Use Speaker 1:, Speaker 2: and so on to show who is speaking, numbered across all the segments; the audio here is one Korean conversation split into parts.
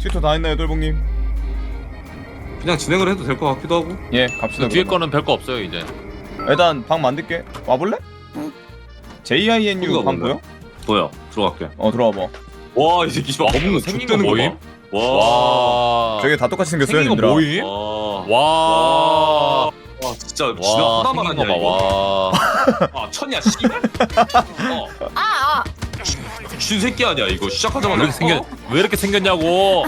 Speaker 1: 슈터 다 했나요, 돌봉님?
Speaker 2: 그냥 진행을 해도 될 것 같기도 하고.
Speaker 1: 예, 갑시다.
Speaker 3: 뒤에
Speaker 1: 그러면.
Speaker 3: 거는 별거 없어요 이제.
Speaker 1: 일단 방 만들게. 와볼래? JINU
Speaker 2: 거기가
Speaker 1: 방
Speaker 2: 뭔데?
Speaker 1: 보여?
Speaker 2: 뭐야? 들어갈게.
Speaker 1: 들어와봐.
Speaker 2: 와, 이 새끼 씨발 업무
Speaker 3: 생긴 거
Speaker 2: 족대는 거
Speaker 3: 뭐임?
Speaker 2: 봐. 와.
Speaker 1: 저게 다 똑같이 생겼어요,
Speaker 3: 생긴 거
Speaker 1: 님들아.
Speaker 3: 뭐임?
Speaker 2: 와.
Speaker 3: 와.
Speaker 2: 와, 진짜
Speaker 3: 와,
Speaker 2: 지나 하나만
Speaker 3: 생긴
Speaker 2: 하냐
Speaker 3: 거
Speaker 2: 이거.
Speaker 3: 봐. 와.
Speaker 2: 아, 천이야 씨발. 쥐 새끼 아니야 이거 시작하자마자.
Speaker 3: 왜 이렇게 생겼냐고.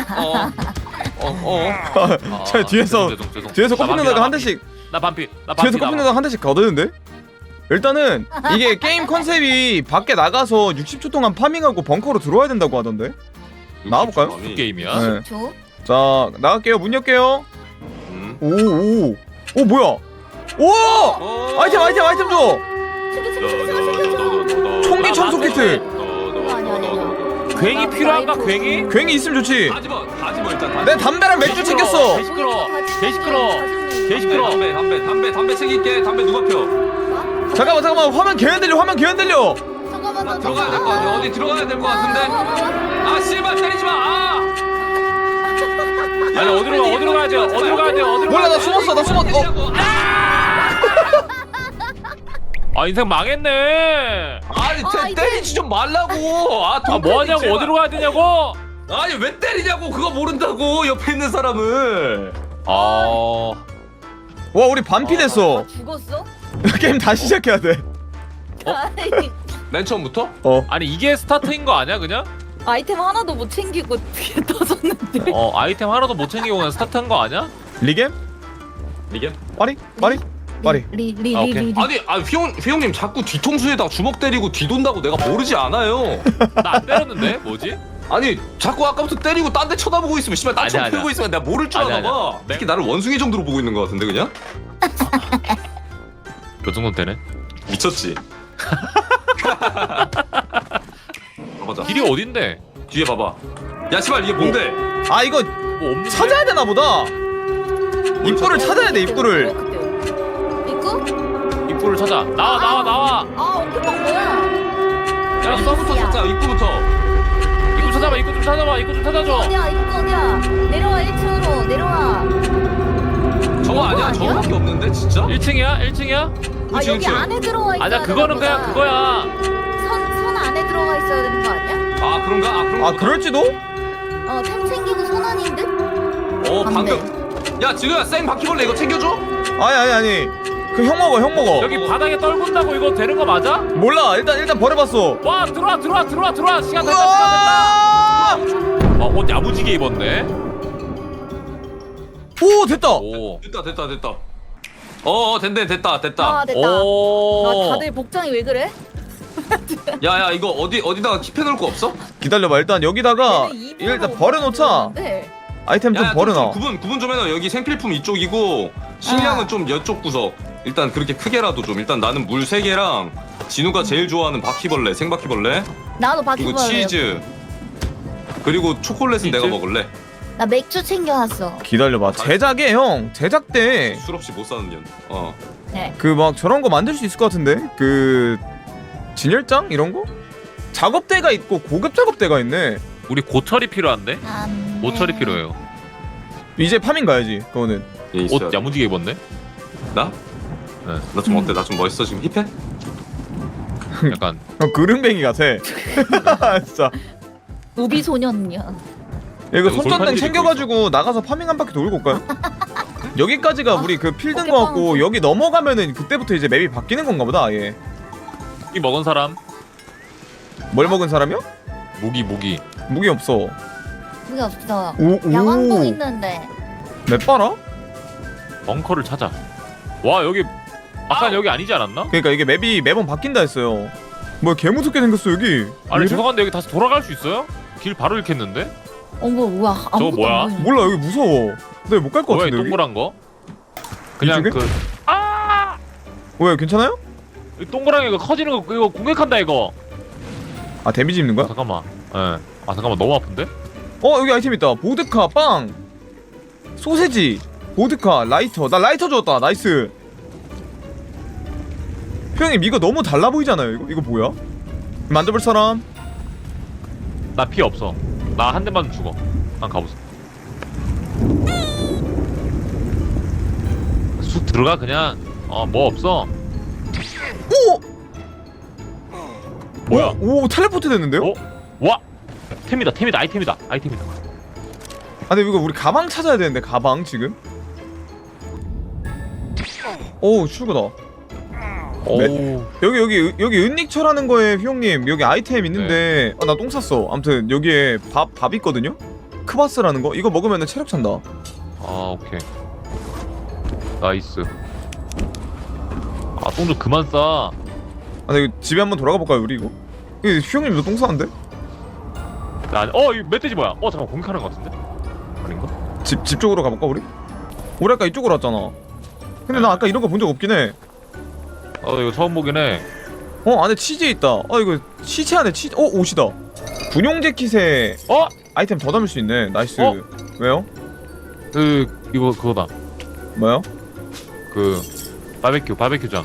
Speaker 1: 저 뒤에서 뒤에서 커피 누나가 한 대씩
Speaker 3: 나 반피.
Speaker 1: 뒤에서 커피 누나가 한 대씩 거드는데? 일단은 이게 게임 컨셉이 밖에 나가서 60초 동안 파밍하고 벙커로 들어와야 된다고 하던데. 나와볼까요?
Speaker 3: 무슨 게임이야?
Speaker 1: 네.
Speaker 4: 저?
Speaker 1: 자, 나갈게요. 문 열게요.
Speaker 2: 음.
Speaker 1: 오, 뭐야? 오! 아이템 줘. 총기 청소 키트.
Speaker 3: 괜히 필요한가 괜히?
Speaker 1: 괜히 있으면 좋지.
Speaker 2: 가지마 일단.
Speaker 1: 내 담배랑 맥주 챙겼어.
Speaker 3: 개 시끄러.
Speaker 2: 담배 챙길게. 담배 누가 펴?
Speaker 1: 잠깐만. 화면 개흔들려.
Speaker 4: 잠깐만.
Speaker 2: 들어가야 될 거 같아. 어디 들어가야 될 거 같은데. 아 씨발 때리지 마. 아.
Speaker 3: 아니 어디로 가야 돼요?
Speaker 1: 몰라, 나 숨었어.
Speaker 3: 아 인생 망했네.
Speaker 2: 아니 때리지 좀 말라고.
Speaker 3: 아 뭐하냐고 어디로 가야 되냐고.
Speaker 2: 아니 왜 때리냐고. 그거 모른다고 옆에 있는 사람을.
Speaker 3: 아
Speaker 1: 와, 우리 반피 됐어.
Speaker 4: 죽었어?
Speaker 1: 게임 다시 시작해야 돼.
Speaker 2: 맨 처음부터?
Speaker 3: 아니 이게 스타트인 거 아니야 그냥?
Speaker 4: 아이템 하나도 못 챙기고 터졌는데.
Speaker 3: 아이템 하나도 못 챙기고 그냥 스타트한 거 아니야?
Speaker 1: 리겜?
Speaker 2: 이게?
Speaker 1: 빠리.
Speaker 4: 리.
Speaker 2: 아니 휘용님 자꾸 뒤통수에다 주먹 때리고 뒤돈다고 내가 모르지 않아요.
Speaker 3: 나 안 때렸는데 뭐지?
Speaker 2: 아니 자꾸 아까부터 때리고 딴 데 쳐다보고 있으면 씨발 딴청
Speaker 3: 아니야.
Speaker 2: 풀고 있으면 내가 모를 줄
Speaker 3: 아니야,
Speaker 2: 아나 봐.
Speaker 3: 아니야.
Speaker 2: 특히 나를 원숭이 정도로 보고 있는 것 같은데 그냥?
Speaker 3: 몇 정도 되네?
Speaker 2: 미쳤지? 가보자.
Speaker 3: 길이 어딘데?
Speaker 2: 뒤에 봐봐. 야 씨발 이게 뭔데?
Speaker 1: 아, 이거
Speaker 3: 뭐 없는데?
Speaker 1: 찾아야 되나 보다. 입구를 찾아야 돼, 입구를.
Speaker 4: 입구?
Speaker 3: 입구를 찾아. 나와.
Speaker 4: 아, 어깨빵 뭐야?
Speaker 2: 야 입구부터 찾자. 입구부터.
Speaker 3: 입구 찾아봐. 입구 좀 찾아줘.
Speaker 4: 어디야? 입구 어디야? 내려와 1층으로 내려와.
Speaker 2: 저거 아니야? 저거밖에 없는데 진짜?
Speaker 3: 1층이야?
Speaker 4: 아,
Speaker 2: 그치,
Speaker 4: 여기
Speaker 2: 그치.
Speaker 4: 안에 들어와 있어야
Speaker 3: 아니야 그거는
Speaker 4: 되나
Speaker 3: 그냥
Speaker 4: 보다.
Speaker 3: 그거야.
Speaker 4: 선 안에 들어가 있어야 되는 거 아니야?
Speaker 2: 아 그런가? 아 그런가?
Speaker 1: 아, 그럴지도?
Speaker 4: 템 챙기고 손 안인 듯?
Speaker 2: 방금. 야 진우야 생 바퀴벌레 이거 챙겨줘?
Speaker 1: 아니. 그 형 먹어.
Speaker 3: 여기 바닥에 떨군다고 이거 되는 거 맞아?
Speaker 1: 몰라. 일단 버려봤어.
Speaker 3: 와 들어와. 시간 됐다.
Speaker 1: 으아!
Speaker 3: 옷 야무지게 입었네.
Speaker 1: 오, 됐다.
Speaker 3: 오.
Speaker 2: 됐다. 됐다. 됐다.
Speaker 4: 아, 됐다.
Speaker 3: 오.
Speaker 4: 다들 복장이 왜 그래?
Speaker 2: 야야 이거 어디다가 킵해놓을 거 없어?
Speaker 1: 기다려봐. 일단 여기다가
Speaker 4: 얘네 입으로
Speaker 1: 일단 버려놓자.
Speaker 4: 네.
Speaker 1: 아이템 좀 버려놔.
Speaker 2: 구분 좀 해놔. 여기 생필품 이쪽이고 식량은 좀 이쪽 구석. 일단 그렇게 크게라도 좀. 일단 나는 물 3개랑 진우가 제일 좋아하는 바퀴벌레, 생바퀴벌레.
Speaker 4: 나도
Speaker 2: 그리고
Speaker 4: 바퀴벌레.
Speaker 2: 치즈. 그리고 초콜릿은
Speaker 3: 치즈?
Speaker 2: 내가 먹을래.
Speaker 4: 나 맥주 챙겨왔어.
Speaker 1: 기다려봐. 제작에 형 제작 때
Speaker 2: 술 없이 못 사는 년.
Speaker 4: 네.
Speaker 1: 그 막 저런 거 만들 수 있을 것 같은데 그 진열장 이런 거? 작업대가 있고 고급 작업대가 있네.
Speaker 3: 우리 고철이 필요한데? 모철이 필요해요.
Speaker 1: 이제 파밍 가야지. 그거는.
Speaker 2: 얘 있어야
Speaker 3: 옷
Speaker 2: 돼.
Speaker 3: 야무지게 입었네.
Speaker 2: 나?
Speaker 3: 네.
Speaker 2: 나 좀 어때? 나 좀 멋있어 지금 힙해?
Speaker 3: 약간
Speaker 1: 형 그릉뱅이 같아. 진짜.
Speaker 4: 우비 소년이야.
Speaker 1: 이거
Speaker 3: 이거
Speaker 1: 손전등
Speaker 3: 돌판지
Speaker 1: 챙겨가지고 나가서 파밍 한 바퀴 돌고 올까요? 여기까지가 우리 그 필드인 거 같고 여기 넘어가면은 그때부터 이제 맵이 바뀌는 건가 보다. 아예.
Speaker 3: 무기 먹은 사람?
Speaker 1: 뭘 먹은 사람이요?
Speaker 3: 무기.
Speaker 1: 무기 없어.
Speaker 4: 그게 없어.
Speaker 1: 오.
Speaker 4: 야광봉 있는데.
Speaker 1: 맵 봐라?
Speaker 3: 벙커를 찾아. 와 여기 아까 여기 아니지 않았나?
Speaker 1: 그러니까 이게 맵이 매번 바뀐다 했어요. 뭐야 개 무섭게 생겼어 여기.
Speaker 3: 아니
Speaker 1: 왜 이래?
Speaker 3: 죄송한데 여기 다시 돌아갈 수 있어요? 길 바로 잃겠는데?
Speaker 4: 어머, 우와. 아무것도
Speaker 3: 뭐야?
Speaker 4: 안 보이네.
Speaker 1: 몰라 여기 무서워. 내가 못 갈 것
Speaker 3: 뭐야 이
Speaker 1: 같은데 여기.
Speaker 3: 동그란 거? 그냥
Speaker 1: 이쪽에? 왜 괜찮아요?
Speaker 3: 이 동그란 거 커지는 거 이거 공격한다 이거.
Speaker 1: 아 데미지 입는 거야?
Speaker 3: 잠깐만. 잠깐만 너무 아픈데?
Speaker 1: 여기 아이템 있다. 보드카 빵 소세지 보드카 라이터. 나 라이터 줬다. 나이스. 형님 이거 너무 달라 보이잖아요. 이거 뭐야? 만져볼 사람?
Speaker 3: 나 피 없어. 나 한 대만 죽어. 난 가보자. 쑥 들어가 그냥. 뭐 없어.
Speaker 1: 오!
Speaker 3: 뭐야?
Speaker 1: 오 텔레포트 됐는데요?
Speaker 3: 어? 와! 템이다 아이템이다.
Speaker 1: 아 근데 이거 우리 가방 찾아야 되는데 가방 지금? 오 출구다.
Speaker 3: 오.
Speaker 1: 여기 은닉처라는 거에 휘용님 여기 아이템 있는데 아 나 똥 쌌어. 아무튼 여기에 밥 있거든요? 크바스라는 거 이거 먹으면 체력 찬다.
Speaker 3: 오케이. 나이스. 똥 좀 그만 싸.
Speaker 1: 아 근데 이거 집에 한번 돌아가 볼까요 우리 이거? 이거 휘용님도 똥 싸는데?
Speaker 3: 이거 멧돼지 뭐야? 잠깐 공격하는 거 같은데? 아닌가?
Speaker 1: 집 쪽으로 가볼까 우리? 우리 아까 이쪽으로 왔잖아. 근데 나 아까 이런 거 본 적 없긴 해.
Speaker 3: 이거 처음 보긴 해.
Speaker 1: 안에 치즈 있다. 이거 시체 안에 치즈. 옷이다. 군용 재킷에 아이템 더 담을 수 있네. 나이스. 왜요?
Speaker 3: 이거 그거다.
Speaker 1: 뭐요?
Speaker 3: 바베큐장.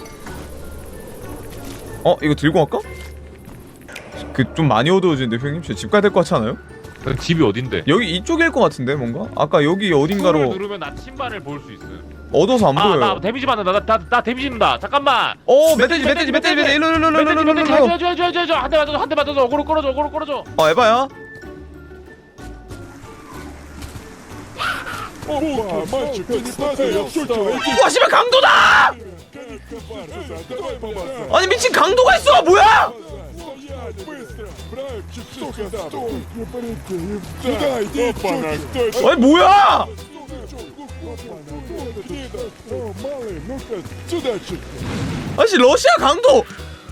Speaker 1: 이거 들고 갈까? 좀 많이 어두워지는데 형님? 집 가야 될 것 같지 않아요?
Speaker 3: 집이 어딘데?
Speaker 1: 여기 이쪽일 것 같은데 뭔가? 아까 여기 어딘가로
Speaker 3: 누르면 나침반을 볼 수 있어.
Speaker 1: 어두워서 안 보여요.
Speaker 3: 나 데미지 받는다. 나 데미지 받는다. 잠깐만.
Speaker 1: 멧돼지 일로
Speaker 3: 저 한 대 맞아줘. 어그로 끌어줘.
Speaker 1: 에바야? 와 씨발 강도다! 아니 미친 강도가 있어! 뭐야! 아니 뭐야! 아씨 러시아 강도!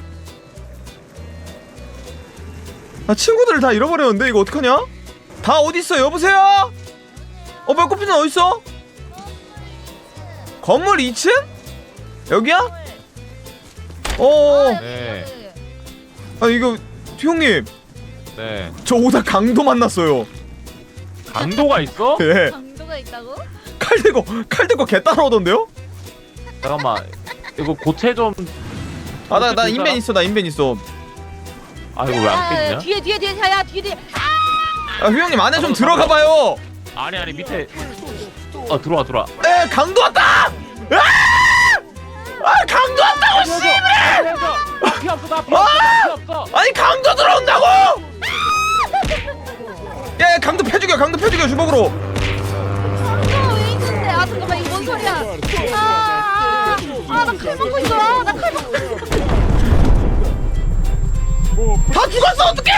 Speaker 1: 나 친구들을 다 잃어버렸는데 이거 어떡하냐? 다 어딨어 여보세요? 뭐야 꽃피는 어딨어? 건물 2층? 여기야?
Speaker 3: 네.
Speaker 1: 이거 형님
Speaker 3: 네.
Speaker 1: 저 오다 강도 만났어요.
Speaker 3: 강도가 있어?
Speaker 1: 예.
Speaker 4: 강도가 있다고?
Speaker 1: 칼 들고 개 따라오던데요?
Speaker 3: 잠깐만. 이거 고체 좀.
Speaker 1: 나 인벤 있어. 나 인벤 있어.
Speaker 3: 이거 왜 안 깼냐?
Speaker 4: 뒤에 자야 뒤에.
Speaker 1: 형님 안에 좀 들어가 봐요.
Speaker 3: 아니 밑에. 들어와.
Speaker 1: 에 강도 왔다! 강도 왔다고 씨발!
Speaker 3: 피 없어. 피 없어.
Speaker 1: 아니 강도 들어온다고! 야 강도 패죽여 주먹으로.
Speaker 4: 왜 있는데? 잠깐만 이거 뭔 소리야? 나 칼 먹고 있어. 나 칼 먹고 있어.
Speaker 1: 다 죽었어 어떡해!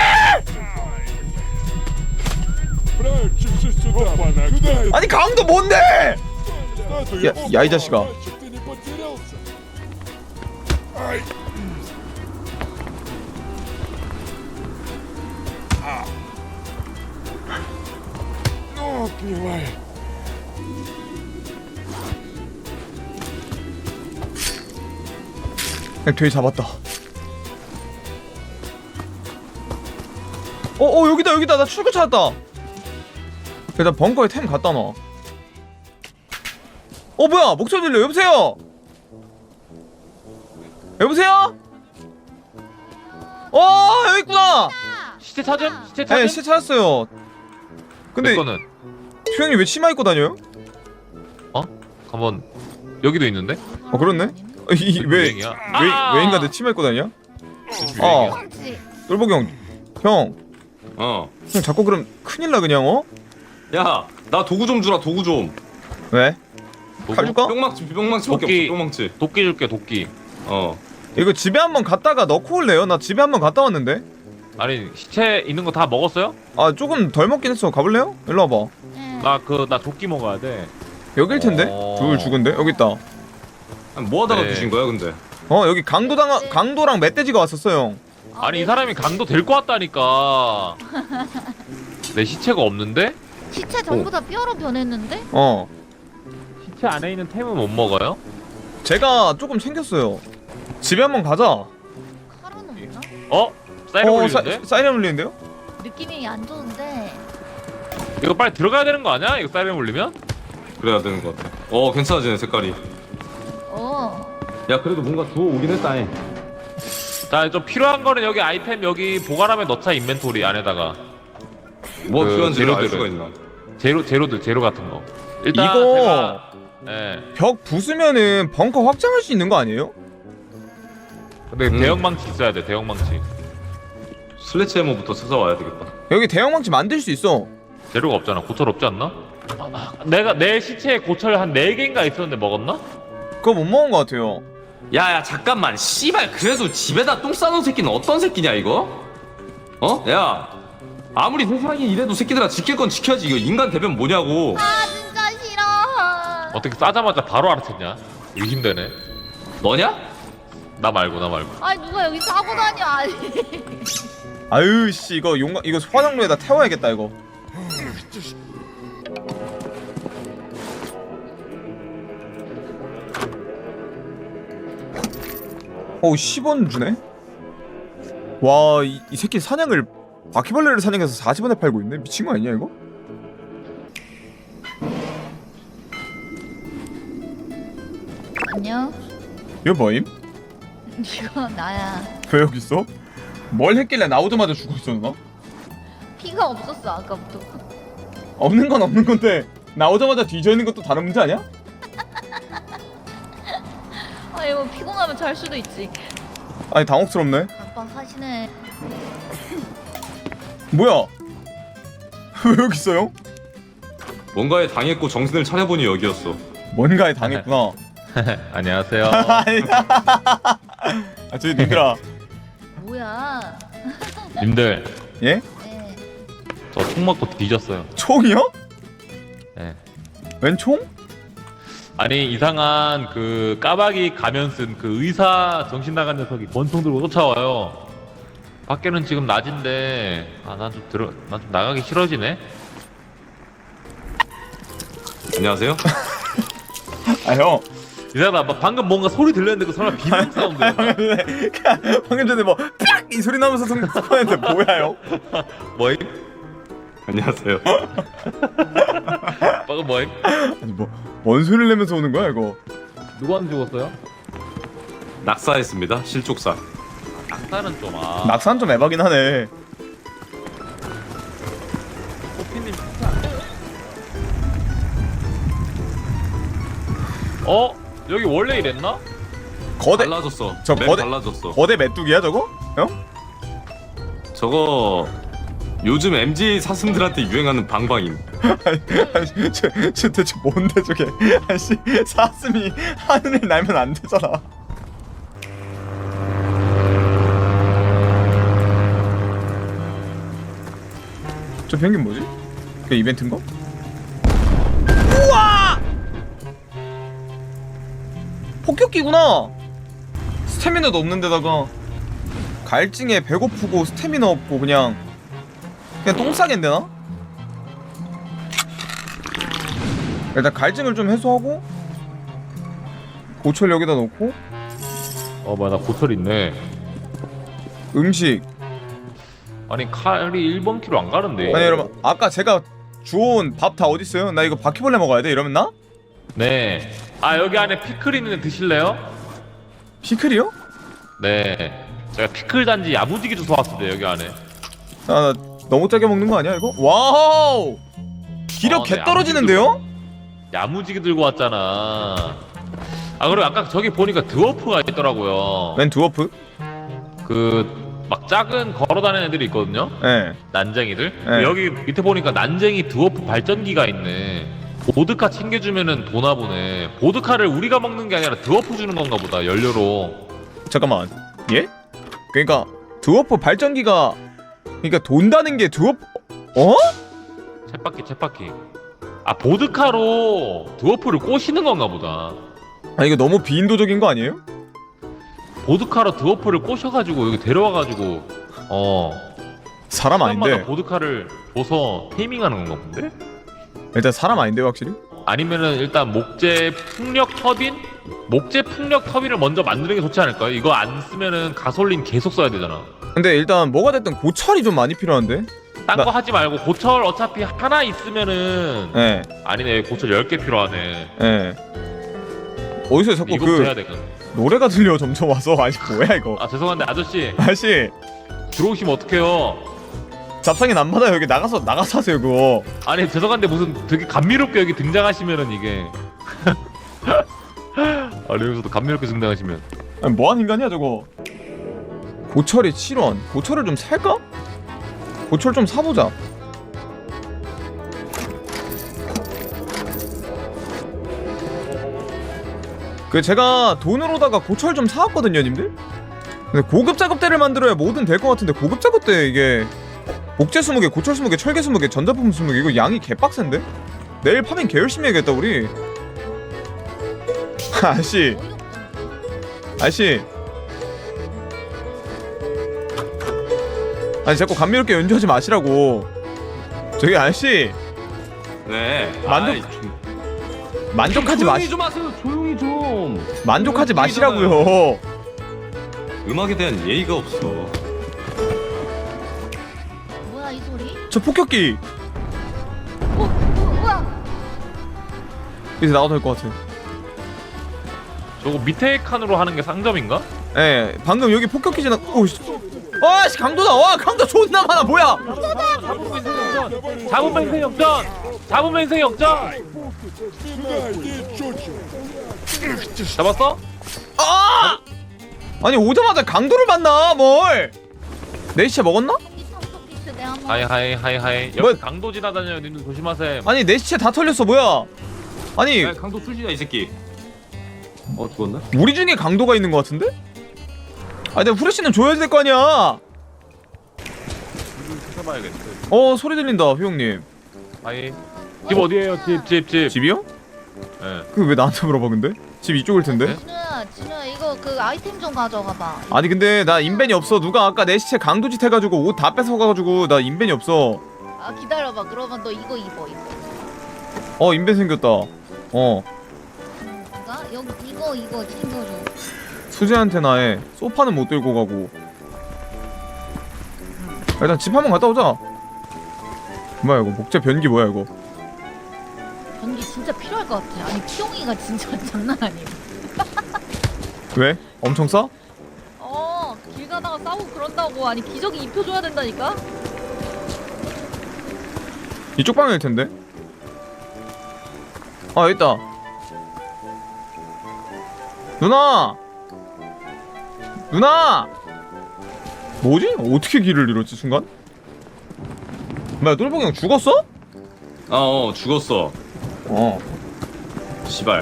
Speaker 1: 아니 강도 뭔데? 야 이 자식아. 돼지 잡았다. 여기다 나 출구 찾았다. 일단 벙커에 템 갖다 놔. 뭐야 목소리 들려. 여보세요? 여기 있구나.
Speaker 3: 시체 찾음?
Speaker 1: 네 시체 찾았어요. 근데
Speaker 3: 거는
Speaker 1: 수영이 왜 치마 입고 다녀요?
Speaker 3: 한번 여기도 있는데?
Speaker 1: 그렇네. 왜 인간들 치마 입고 다니냐?
Speaker 4: 그렇지.
Speaker 1: 똘보기 형 자꾸 그럼 큰일 나 그냥.
Speaker 2: 야, 나 도구 좀 주라. 도구 좀.
Speaker 1: 왜? 칼 줄까?
Speaker 2: 뿅망치밖에 없어. 뿅망치.
Speaker 3: 도끼 줄게 도끼.
Speaker 1: 이거 집에 한번 갔다가 넣고 올래요? 나 집에 한번 갔다 왔는데.
Speaker 3: 아니 시체 있는 거 다 먹었어요?
Speaker 1: 조금 덜 먹긴 했어. 가볼래요? 일로 와봐.
Speaker 3: 나 도끼 먹어야 돼.
Speaker 1: 여길 텐데. 둘 죽은데 여기 있다.
Speaker 2: 뭐 하다가
Speaker 3: 네.
Speaker 2: 드신 거야 근데?
Speaker 1: 여기 강도랑 멧돼지가 왔었어 형.
Speaker 3: 아니 이 사람이 강도 될 것 같다니까. 내 시체가 없는데?
Speaker 4: 시체 전부 다 뼈로 변했는데?
Speaker 3: 시체 안에 있는 템은 못 먹어요?
Speaker 1: 제가 조금 챙겼어요. 집에 한번 가자.
Speaker 4: 칼은 없나?
Speaker 3: 사이렌 울리는데?
Speaker 1: 사이렌 울리는데요?
Speaker 4: 느낌이 안 좋은데.
Speaker 3: 이거 빨리 들어가야 되는 거 아니야? 이거 사이렌 울리면?
Speaker 2: 그래야 되는 것 같아. 괜찮아지네 색깔이. 야 그래도 뭔가 주워 오긴 했다.
Speaker 3: 자, 좀 필요한 거는 여기 아이템 여기 보관함에 넣자. 인벤토리 안에다가.
Speaker 2: 뭐
Speaker 3: 그
Speaker 2: 필요한지 알
Speaker 3: 재료들을.
Speaker 2: 수가 있나?
Speaker 3: 제로 같은 거. 일단
Speaker 1: 이거
Speaker 3: 제가 예.
Speaker 1: 벽 부수면은 벙커 확장할 수 있는 거 아니에요?
Speaker 3: 근데 대형망치 있어야 돼. 대형망치.
Speaker 2: 슬래치 해머부터 찾아와야 되겠다.
Speaker 1: 여기 대형망치 만들 수 있어.
Speaker 3: 재료가 없잖아. 고철 없지 않나? 내가 내 시체에 고철 한 4개인가 있었는데 먹었나?
Speaker 1: 그거 못 먹은 거 같아요.
Speaker 2: 야야 잠깐만 씨발 그래도 집에다 똥 싸놓은 새끼는 어떤 새끼냐 이거? 어? 야 아무리 세상이 이래도 새끼들아 지킬 건 지켜야지. 이거 인간 대변 뭐냐고.
Speaker 4: 아 진짜 싫어.
Speaker 3: 어떻게 싸자마자 바로 알아챘냐? 의심되네.
Speaker 2: 너냐?
Speaker 3: 나 말고.
Speaker 4: 아니 누가 여기 싸고 다녀. 아니.
Speaker 1: 아유 씨 이거 이거 화장로에다 태워야겠다 이거. 어우 10원 주네? 와 이 새끼 사냥을 바퀴벌레를 사냥해서 40원에 팔고 있네? 미친 거 아니야 이거?
Speaker 4: 안녕.
Speaker 1: 이거 뭐임?
Speaker 4: 이거 나야.
Speaker 1: 왜 여기 있어? 뭘 했길래 나오자마자 죽어 있어 너?
Speaker 4: 피가 없었어 아까부터.
Speaker 1: 없는 건 없는 건데 나오자마자 뒤져 있는 것도 다른 문제 아니야?
Speaker 4: 아 이거 피곤하면 잘 수도 있지.
Speaker 1: 아니 당혹스럽네.
Speaker 4: 깜빡하시네.
Speaker 1: 뭐야? 왜 여기 있어요?
Speaker 2: 뭔가에 당했고 정신을 차려보니 여기였어.
Speaker 1: 뭔가에 당했구나.
Speaker 3: 안녕하세요.
Speaker 1: 아니다. 아 저기 님들아.
Speaker 4: 뭐야?
Speaker 3: 님들
Speaker 1: 예?
Speaker 4: 네.
Speaker 3: 저 총 맞고 뒤졌어요.
Speaker 1: 총이요?
Speaker 3: 예.
Speaker 1: 웬 총?
Speaker 3: 아니 이상한 그 까마귀 가면 쓴 그 의사 정신 나간 녀석이 권총 들고 쫓아와요. 밖에는 지금 낮인데 난 좀 나가기 싫어지네.
Speaker 2: 안녕하세요.
Speaker 1: 아 형.
Speaker 3: 이상하다. 방금 뭔가 소리 들렸는데 그 설마 비명 사운드였나?
Speaker 1: 방금 전에 뭐 팍! 이 소리 나면서 스폰했는데 뭐야 형?
Speaker 3: 뭐임?
Speaker 2: 안녕하세요.
Speaker 3: 방금 뭐임?
Speaker 1: 아니 뭐 뭔 소리를 내면서 오는 거야 이거?
Speaker 3: 누구한테 죽었어요?
Speaker 2: 낙사했습니다. 실족사.
Speaker 3: 낙사는 좀
Speaker 1: 낙산 좀 에바긴 하네.
Speaker 3: 코피님 어? 여기 원래 이랬나?
Speaker 1: 거대
Speaker 2: 달라졌어.
Speaker 1: 저
Speaker 2: 맵
Speaker 1: 거대-
Speaker 2: 달라졌어.
Speaker 1: 거대 메뚜기야 저거? 형?
Speaker 2: 저거 요즘 MZ 사슴들한테 유행하는 방방임.
Speaker 1: 아니 저 대체 뭔데 저게? 아씨 사슴이 하늘을 날면 안 되잖아. 저 비행기 뭐지? 그 이벤트인가? 우와! 폭격기구나. 스태미나도 없는 데다가 갈증에 배고프고 스태미나 없고 그냥 똥 싸겠는데 나? 일단 갈증을 좀 해소하고 고철 여기다 넣고
Speaker 3: 뭐야 나 고철 있네.
Speaker 1: 음식.
Speaker 3: 아니 칼이 1번 키로 안 가는데.
Speaker 1: 아니 여러분 아까 제가 주워온 밥 다 어딨어요? 나 이거 바퀴벌레 먹어야 돼 이러면 나?
Speaker 3: 네. 아 여기 안에 피클 있는데 드실래요?
Speaker 1: 피클이요?
Speaker 3: 네. 제가 피클 단지 야무지게 주워 왔는데 여기 안에.
Speaker 1: 아 나 너무 짜게 먹는 거 아니야 이거? 와우! 기력
Speaker 3: 네,
Speaker 1: 개 떨어지는데요?
Speaker 3: 야무지게 들고 왔잖아. 아 그리고 아까 저기 보니까 드워프가 있더라고요.
Speaker 1: 웬 드워프?
Speaker 3: 그 막 작은 걸어다니는 애들이 있거든요.
Speaker 1: 예.
Speaker 3: 난쟁이들.
Speaker 1: 네.
Speaker 3: 여기 밑에 보니까 난쟁이 드워프 발전기가 있네. 보드카 챙겨주면은 도나 보네. 보드카를 우리가 먹는 게 아니라 드워프 주는 건가 보다. 연료로.
Speaker 1: 잠깐만. 예? 그러니까 드워프 발전기가 그러니까 돈다는 게 드워프 어?
Speaker 3: 쳇바퀴. 아 보드카로 드워프를 꼬시는 건가 보다.
Speaker 1: 아 이거 너무 비인도적인 거 아니에요?
Speaker 3: 보드카로 드워프를 꼬셔가지고 여기 데려와가지고
Speaker 1: 사람
Speaker 3: 사람마다
Speaker 1: 아닌데.
Speaker 3: 보드카를 줘서 테이밍하는 건가 본데?
Speaker 1: 일단 사람 아닌데 확실히?
Speaker 3: 아니면은 일단 목재 풍력 터빈? 목재 풍력 터빈을 먼저 만드는 게 좋지 않을까요? 이거 안 쓰면은 가솔린 계속 써야 되잖아.
Speaker 1: 근데 일단 뭐가 됐든 고철이 좀 많이 필요한데?
Speaker 3: 딴 거 하지 말고 고철 어차피 하나 있으면은
Speaker 1: 예.
Speaker 3: 아니네 고철 10개 필요하네.
Speaker 1: 예. 어디서 자꾸
Speaker 3: 이거부터 해야
Speaker 1: 그
Speaker 3: 되거든.
Speaker 1: 노래가 들려 점점 와서 아니 뭐야 이거?
Speaker 3: 아 죄송한데 아저씨
Speaker 1: 아저씨
Speaker 3: 들어오시면 어떡해요?
Speaker 1: 잡상인 안 받아요. 여기 나가서 하세요 그거.
Speaker 3: 아니 죄송한데 무슨 되게 감미롭게 여기 등장하시면은 이게 아니 여기서도 감미롭게 등장하시면
Speaker 1: 아니, 뭐하는 인간이야 저거. 고철이 7원. 고철을 좀 살까? 고철 좀 사보자. 그 제가 돈으로다가 고철 좀 사왔거든요 님들. 근데 고급 작업대를 만들어야 뭐든 될 것 같은데 고급 작업대 이게 목재 20개, 고철 20개, 철개 20개, 전자품 20개 이거 양이 개빡센데? 내일 파밍 개 열심히 해야겠다 우리. 아저씨 아저씨 아니 자꾸 감미롭게 연주하지 마시라고. 저기 아저씨
Speaker 2: 네.
Speaker 1: 만족-
Speaker 2: 아이,
Speaker 1: 만족하지
Speaker 2: 조용히
Speaker 1: 마시
Speaker 2: 좀 하세요. 조용히 좀.
Speaker 1: 만족하지
Speaker 2: 이거
Speaker 1: 마시라고요.
Speaker 2: 음악에 대한 예의가 없어.
Speaker 4: 뭐야 이 소리?
Speaker 1: 저 폭격기
Speaker 4: 우와.
Speaker 1: 이제 나가도 될 것 같아.
Speaker 3: 저거 밑에 칸으로 하는 게 상점인가?
Speaker 1: 예, 방금 여기 폭격기 지나. 오씨, 아씨 강도다. 와 강도 존나 많아. 뭐야?
Speaker 3: 잡으면 인생 역전! 잡으면 인생 역전! 잡았어?
Speaker 1: 아! 아니 오자마자 강도를 만나 뭘? 내 시체 먹었나?
Speaker 4: 이 삼성피스 내가 한번.
Speaker 3: 하이
Speaker 1: 뭐-
Speaker 3: 여기 강도 지나다녀요 님들 조심하세요.
Speaker 1: 아니 내 시체 다 털렸어. 뭐야? 아니
Speaker 2: 야, 강도 술지다 이 새끼. 죽었나?
Speaker 1: 우리 중에 강도가 있는 것 같은데? 아니 내가 후레쉬는 줘야 될 거 아니야.
Speaker 3: 찾아봐야겠어.
Speaker 1: 소리 들린다 효영님.
Speaker 3: 하이 집 어디에요? 집
Speaker 1: 집이요?
Speaker 3: 예.
Speaker 1: 그 왜 나한테 물어봐 근데? 집 이쪽일 텐데?
Speaker 4: 진우야 이거 그 아이템 좀 가져가봐.
Speaker 1: 아니 근데 나 인벤이 없어. 누가 아까 내 시체 강도짓 해가지고 옷 다 뺏어가가지고 나 인벤이 없어.
Speaker 4: 아 기다려봐. 그러면 너 이거 입어.
Speaker 1: 인벤 생겼다.
Speaker 4: 누가? 여기 이거 챙겨줘.
Speaker 1: 수지한테나 해. 소파는 못 들고 가고. 일단 집 한번 갔다 오자. 뭐야 이거 목재 변기 뭐야 이거?
Speaker 4: 전기 진짜 필요할 것 같아. 아니 피용이가 진짜 장난 아니야.
Speaker 1: 왜? 엄청 싸?
Speaker 4: 길 가다가 싸우고 그런다고. 아니 기저귀 입혀줘야 된다니까.
Speaker 1: 이쪽 방향일 텐데. 여기 있다. 누나! 뭐지? 어떻게 길을 잃었지 순간? 뭐야 똘봉이 형 죽었어?
Speaker 2: 죽었어. 시발.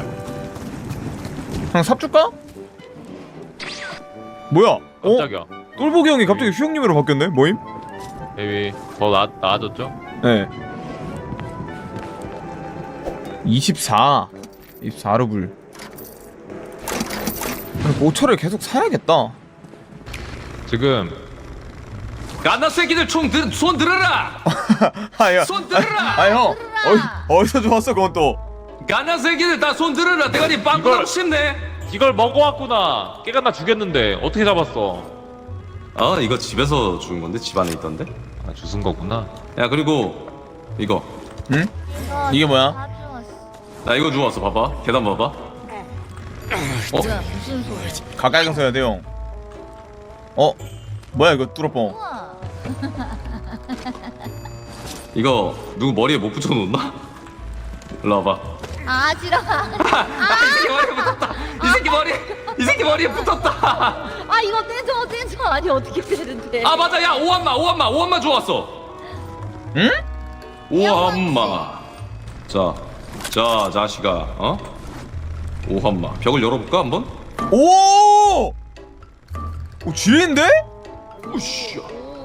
Speaker 1: 형 삽 줄까? 뭐야?
Speaker 3: 깜짝이야.
Speaker 1: 똘보기 형이 갑자기 휴형님으로 바뀌었네? 뭐임?
Speaker 3: 베이비 더 나아졌죠?
Speaker 1: 네 24루블. 모처를 계속 사야겠다.
Speaker 3: 지금
Speaker 2: 갓나 새끼들 손 들어라.
Speaker 1: 아야.
Speaker 2: 손 들어라.
Speaker 1: 형 어디서 좋았어 그건 또.
Speaker 2: 갓나 새끼들 다 손 들어라. 대가리 빵꾸 나고 싶네.
Speaker 3: 이걸 먹어왔구나. 깨가 나 죽였는데 어떻게 잡았어?
Speaker 2: 이거 집에서 죽은 건데 집 안에 있던데.
Speaker 3: 아 주순 거구나.
Speaker 2: 야 그리고 이거
Speaker 1: 응? 이게 뭐야?
Speaker 4: 가져왔어.
Speaker 2: 나 이거 주웠어. 봐봐. 계단 봐봐.
Speaker 4: 뭐야 무슨 소리?
Speaker 1: 가까이 가서 해야 돼 형. 뭐야 이거 뚜러뻥.
Speaker 4: 우와.
Speaker 2: 이거 누구 머리에 못 붙여놓나? 일로 와봐.
Speaker 4: 아 지랄아.
Speaker 2: 이 새끼 머리에 붙었다.
Speaker 4: 아 이거 떼줘. 아니 어떻게 떼는데?
Speaker 2: 아 맞아. 야 오한마 주웠어.
Speaker 1: 응?
Speaker 2: 오한마. 자 자식아. 오한마. 벽을 열어볼까 한번?
Speaker 1: 오 지린데?
Speaker 2: 오씨.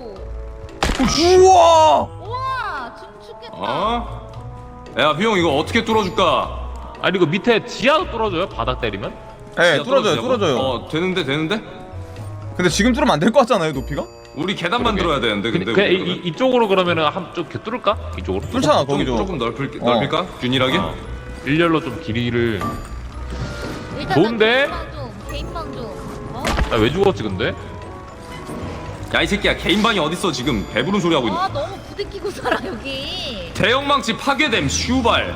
Speaker 1: 우와.
Speaker 4: 우와 춤추겠다.
Speaker 2: 야 휘영 이거 어떻게 뚫어줄까?
Speaker 3: 아니 이거 밑에 지하도 뚫어줘요? 바닥 때리면?
Speaker 1: 네
Speaker 2: 진짜
Speaker 1: 뚫어줘요.
Speaker 2: 되는데?
Speaker 1: 근데 지금 뚫으면 안 될 것 같잖아요 높이가?
Speaker 2: 우리 계단 만들어야 되는데 근데
Speaker 3: 그냥
Speaker 2: 우리 그러면?
Speaker 3: 이쪽으로 그러면은 한쪽 뚫을까? 이쪽으로?
Speaker 1: 뚫잖아 거기죠.
Speaker 2: 조금 넓힐까? 균일하게?
Speaker 3: 일렬로 좀 길이를.
Speaker 4: 일단
Speaker 3: 좋은데?
Speaker 4: 개인방 좀.
Speaker 3: 나 왜 죽었지 근데?
Speaker 2: 야 이 새끼야 개인 방이 어딨어 지금 배부른 소리 하고 있는.
Speaker 4: 아 너무 부대끼고 살아 여기.
Speaker 2: 대형망치 파괴됨 슈발.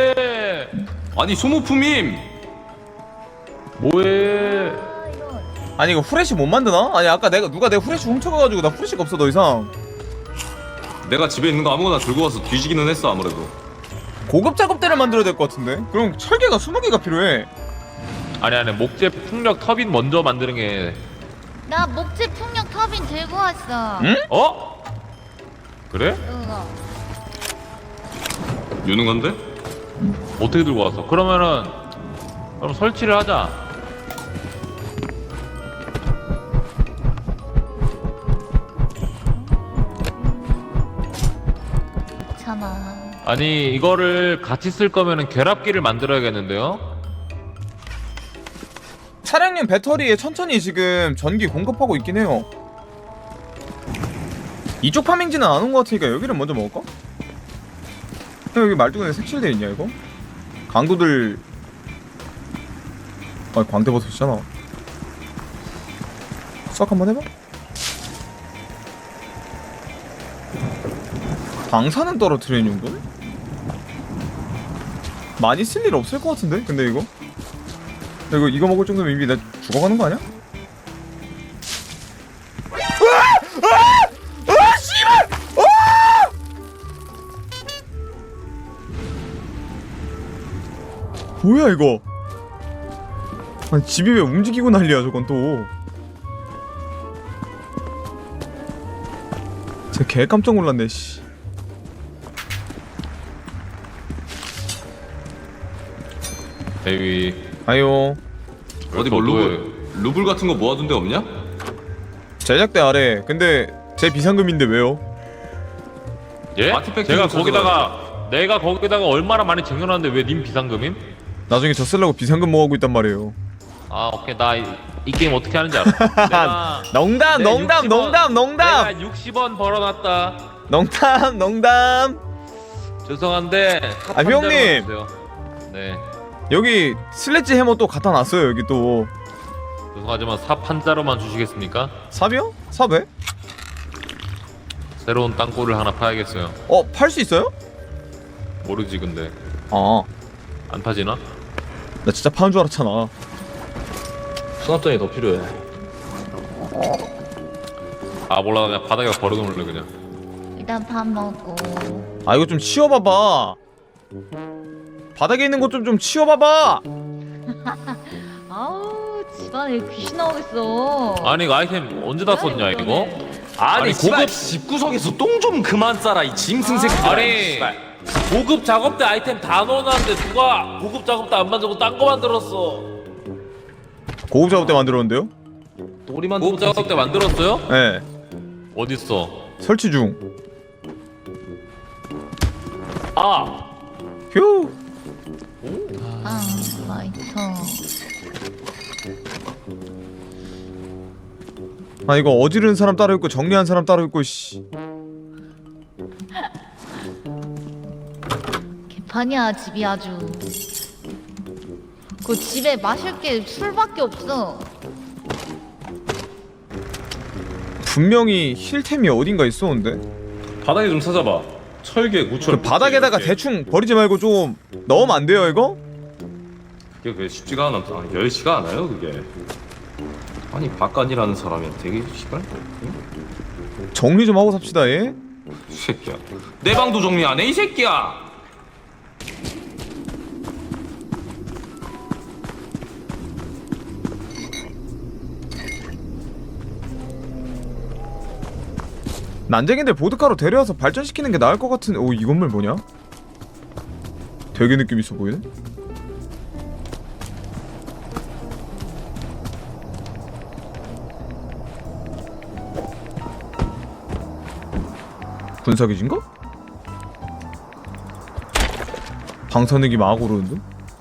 Speaker 3: 뭐해?
Speaker 2: 아니 소모품임.
Speaker 3: 뭐해?
Speaker 4: 아 이런.
Speaker 1: 아니 이거 후레쉬 못 만드나? 아니 아까 누가 내 후레쉬 훔쳐가가지고 나 후레쉬가 없어 더 이상.
Speaker 2: 내가 집에 있는 거 아무거나 들고 와서 뒤지기는 했어 아무래도.
Speaker 1: 고급 작업대를 만들어야 될 것 같은데? 그럼 철개가 20개가 필요해.
Speaker 3: 아니 목재 풍력 터빈 먼저 만드는 게.
Speaker 4: 나 목재 풍력 터빈 들고 왔어.
Speaker 1: 응?
Speaker 3: 어? 그래?
Speaker 4: 그거.
Speaker 2: 유능한데?
Speaker 3: 어떻게 들고 왔어? 그러면 설치를 하자.
Speaker 4: 괜찮아.
Speaker 3: 아니 이거를 같이 쓸 거면은 결합기를 만들어야겠는데요?
Speaker 1: 차량용 배터리에 천천히 지금 전기 공급하고 있긴 해요. 이쪽 파밍지는 안 온 것 같으니까 여기를 먼저 먹을까? 여기 말뚝에 색칠돼 있냐 이거? 강도들 아니 광대버섯이잖아. 싹 한번 해봐. 방사는 떨어뜨리는 용도네? 많이 쓸 일 없을 것 같은데? 근데 이거 이거 먹을 정도면 이미 나 죽어가는 거 아니야? 씨발! 뭐야 이거? 아니 집이 왜 움직이고 난리야 저건 또. 진짜 개 깜짝 놀랐네 씨.
Speaker 3: 에이
Speaker 1: 아유
Speaker 2: 어디 뭐 루블 같은 거 모아둔 데 없냐?
Speaker 1: 제작대 아래. 근데 제 비상금인데 왜요?
Speaker 3: 예?
Speaker 2: 아티팩트
Speaker 3: 제가
Speaker 2: 좀
Speaker 3: 내가 거기다가 얼마나 많이 쟁여놨는데 왜 님 비상금임?
Speaker 1: 나중에 저 쓰려고 비상금 모으고 있단 말이에요.
Speaker 3: 아 오케이 나 이 게임 어떻게 하는지 알아. 내가
Speaker 1: 농담
Speaker 3: 내
Speaker 1: 농담
Speaker 3: 60원
Speaker 1: 농담 농담
Speaker 3: 내가 60원 벌어놨다.
Speaker 1: 농담 농담.
Speaker 3: 죄송한데
Speaker 1: 아, 형님.
Speaker 3: 네
Speaker 1: 여기 슬래지 해머 또 갖다 놨어요 여기 또.
Speaker 3: 죄송하지만 삽 한자로만 주시겠습니까?
Speaker 1: 삽이요? 삽에?
Speaker 3: 새로운 땅굴을 하나 파야겠어요.
Speaker 1: 팔 수 있어요?
Speaker 3: 모르지 근데
Speaker 1: 아,
Speaker 3: 안 파지나?
Speaker 1: 나 진짜 파는 줄 알았잖아.
Speaker 2: 수납장이 더 필요해.
Speaker 3: 아 몰라 그냥 바닥에 버려놓을래 그냥.
Speaker 4: 일단 밥 먹고.
Speaker 1: 아 이거 좀 치워봐봐. 바닥에 있는 것 좀 치워봐봐.
Speaker 4: 아우 집안에 귀신 나오겠어.
Speaker 3: 아니 이거 아이템 언제 다 썼냐 이거? 아니
Speaker 2: 씨발,
Speaker 3: 고급
Speaker 2: 집구석에서 똥 좀 그만 싸라 이 짐승 새끼들.
Speaker 3: 아니 고급 작업대 아이템 다 넣어놨는데 누가 고급 작업대 안 만들고 딴 거 만들었어?
Speaker 1: 고급 작업대 만들었는데요?
Speaker 2: 또리만
Speaker 3: 고급 작업대 만들었어요?
Speaker 1: 네.
Speaker 3: 어딨어?
Speaker 1: 설치 중.
Speaker 3: 아!
Speaker 1: 휴.
Speaker 4: 아 라이터.
Speaker 1: 아 이거 어지르는 사람 따로 있고 정리한 사람 따로 있고 씨.
Speaker 4: 개판이야 집이 아주. 그 집에 마실 게 술밖에 없어.
Speaker 1: 분명히 힐템이 어딘가 있었는데.
Speaker 2: 바닥에 좀 찾아봐. 철개, 구철.
Speaker 1: 그 바닥에다가 대충 버리지 말고 좀 넣으면 안 돼요 이거?
Speaker 2: 그게 쉽지가 않아. 열시가 않아요 그게. 아니 바깥이라는 사람이 되게 시발.
Speaker 1: 정리 좀 하고 삽시다 예?
Speaker 2: 이 새끼야. 내 방도 정리 안 해 이 새끼야.
Speaker 1: 난쟁이들 보드카로 데려와서 발전시키는 게 나을 것 같은. 오 이 건물 뭐냐? 되게 느낌 있어 보이네. 군사기지인가? 방사능이 막 오르는데?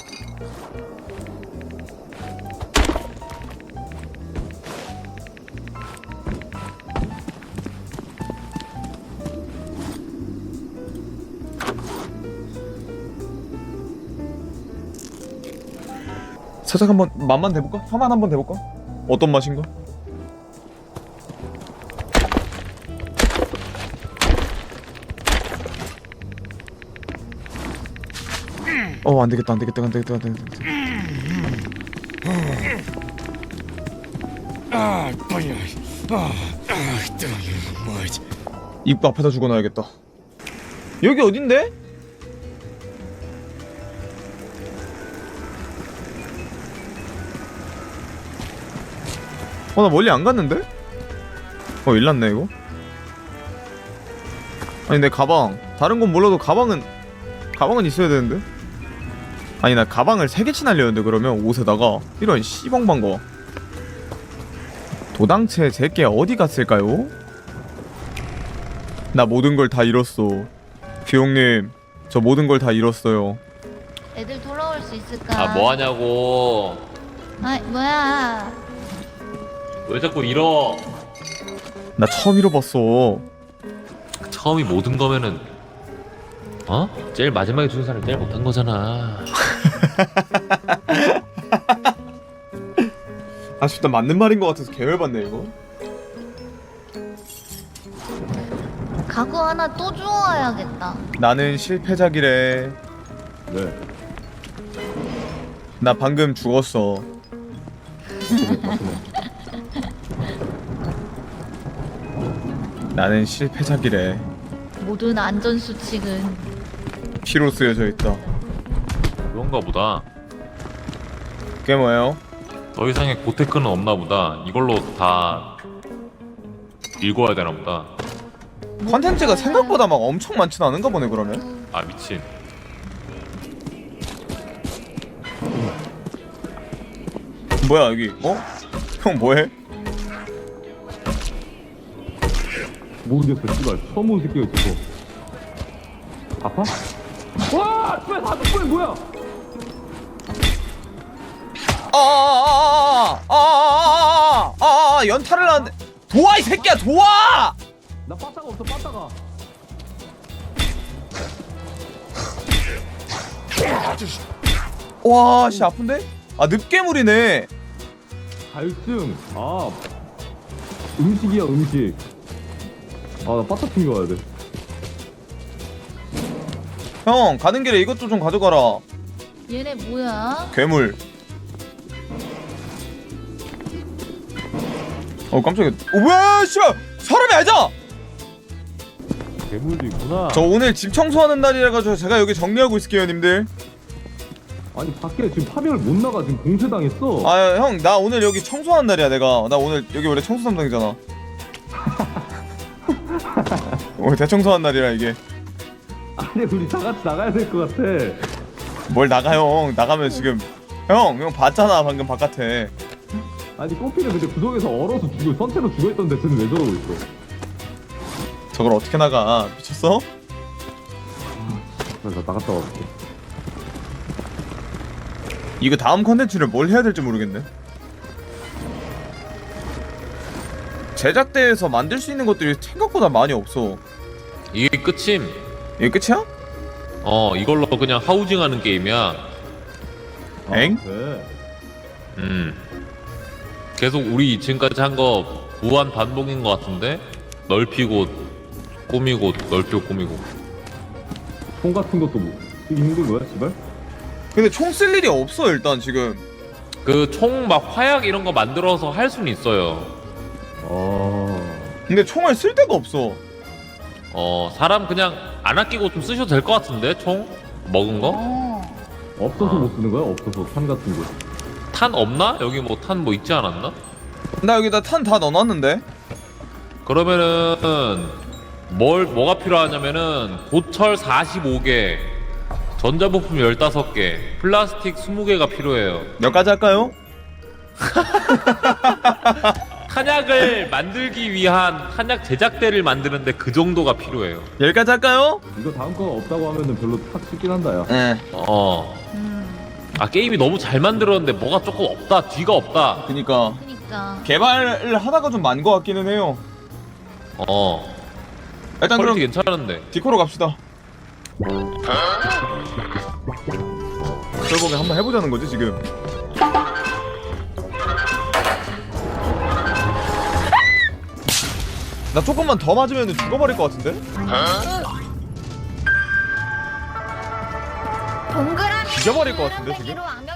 Speaker 1: 살짝 한번 맛만 대볼까? 화만 한번 대볼까? 어떤 맛인가? 안되겠다 안되겠다 안되겠다 안되겠다. 입구 앞에다 죽어놔야겠다. 여기 어딘데? 나 멀리 안 갔는데? 일났네 이거. 아니 내 가방 다른 건 몰라도 가방은 있어야 되는데. 아니 나 가방을 3개치 날렸는데 그러면 옷에다가 이런 씨벙벙 거. 도당체 제게 어디 갔을까요? 나 모든 걸 다 잃었어. 비용님 저 모든 걸 다 잃었어요.
Speaker 4: 애들 돌아올 수 있을까?
Speaker 3: 아 뭐하냐고.
Speaker 4: 아 뭐야?
Speaker 3: 왜 자꾸 잃어.
Speaker 1: 나 처음 잃어봤어.
Speaker 3: 처음이 모든 거면은 제일 마지막에 죽은 사람이 제일 못한 거잖아.
Speaker 1: 아쉽다. 맞는 말인 것 같아서 계열받네 이거.
Speaker 4: 가구 하나 또 주워야겠다.
Speaker 1: 나는 실패작이래.
Speaker 5: 네.
Speaker 1: 나 방금 죽었어. 나는 실패작이래.
Speaker 4: 모든 안전 수칙은
Speaker 1: 피로 쓰여져 있다.
Speaker 3: 그런가 보다.
Speaker 1: 그게 뭐예요?
Speaker 3: 더 이상의 고테크는 없나 보다. 이걸로 다 읽어야 되나 보다.
Speaker 1: 컨텐츠가 생각보다 막 엄청 많진 않은가 보네 그러면.
Speaker 3: 아 미친.
Speaker 1: 뭐야 여기? 형 뭐해?
Speaker 5: 모르겠어, 씨발. 처음 본 새끼가 있어서. 아파? 와! 씨발, 사슴 뭐야?
Speaker 1: 연타를 하는데 도와 이 새끼야 도와!
Speaker 5: 나 빠따가 없어, 빠따가.
Speaker 1: 와 씨 아픈데? 아 늪괴물이네.
Speaker 5: 갈증. 음식이야, 음식. 나 빠따 챙겨와야 돼.
Speaker 1: 형 가는 길에 이것도 좀 가져가라.
Speaker 4: 얘네 뭐야?
Speaker 1: 괴물. 깜짝이야. 뭐야 씨발 사람이 아니잖아.
Speaker 5: 괴물도 있구나.
Speaker 1: 저 오늘 집 청소하는 날이라 가지고 제가 여기 정리하고 있을게요 님들.
Speaker 5: 아니, 밖에 지금 파병을 못 나가. 지금 공세당했어.
Speaker 1: 아 형 나 오늘 여기 청소하는 날이야 내가. 나 오늘 여기 원래 청소 담당이잖아. 오늘 대청소하는 날이라 이게.
Speaker 5: 아니, 우리 다 같이 나가야 될 것 같아.
Speaker 1: 뭘 나가 형. 나가면 지금 형 봤잖아 방금 바깥에.
Speaker 5: 아니, 꼬피는 근데 구석에서 얼어서 선체로 죽어있던데 쟤는 왜 저러고 있어?
Speaker 1: 저걸 어떻게 나가 미쳤어?
Speaker 5: 나 나갔다 와볼게.
Speaker 1: 이거 다음 컨텐츠를 뭘 해야 될지 모르겠네. 제작대에서 만들 수 있는 것들이 생각보다 많이 없어.
Speaker 3: 이게 끝임.
Speaker 1: 이게 끝이야?
Speaker 3: 이걸로 그냥 하우징하는 게임이야.
Speaker 1: 엥?
Speaker 5: 네.
Speaker 3: 계속 우리 지금까지 한 거 무한 반복인 것 같은데 넓히고 꾸미고 넓히고 꾸미고.
Speaker 5: 총 같은 것도 뭐 쓰기 힘든 거야, 씨발?
Speaker 1: 근데 총 쓸 일이 없어 일단 지금.
Speaker 3: 그 총 막 화약 이런 거 만들어서 할 수는 있어요.
Speaker 1: 근데 총을 쓸 데가 없어.
Speaker 3: 사람 그냥 안 아끼고 좀 쓰셔도 될 것 같은데 총 먹은 거?
Speaker 5: 없어서 못 쓰는 거야? 없어서 탄 같은 거.
Speaker 3: 탄 없나? 여기 뭐 탄 뭐 있지 않았나?
Speaker 1: 나 여기다 탄 다 넣어놨는데.
Speaker 3: 그러면은 뭐가 필요하냐면은 고철 45개, 전자부품 15개, 플라스틱 20개가 필요해요.
Speaker 1: 몇 가지 할까요?
Speaker 3: 탄약을 만들기 위한 탄약 제작대를 만드는데 그 정도가 필요해요.
Speaker 1: 10가지 할까요?
Speaker 5: 이거 다음 거 없다고 하면은 별로 탁 싶긴 한다, 야.
Speaker 1: 예.
Speaker 3: 게임이 너무 잘 만들었는데 뭐가 조금 없다, 뒤가 없다.
Speaker 1: 그니까
Speaker 4: 그니까.
Speaker 1: 개발을 하다가 좀 많은 것 같기는 해요. 일단 그럼
Speaker 3: 퀄리티 괜찮은데.
Speaker 1: 디코로 갑시다. 결국에 한번 해보자는 거지 지금. 나 조금만 더 맞으면 죽어버릴 것 같은데?
Speaker 4: 동그라미
Speaker 1: 죽여버릴 것 같은데, 지금?
Speaker 4: 노란색으로 악명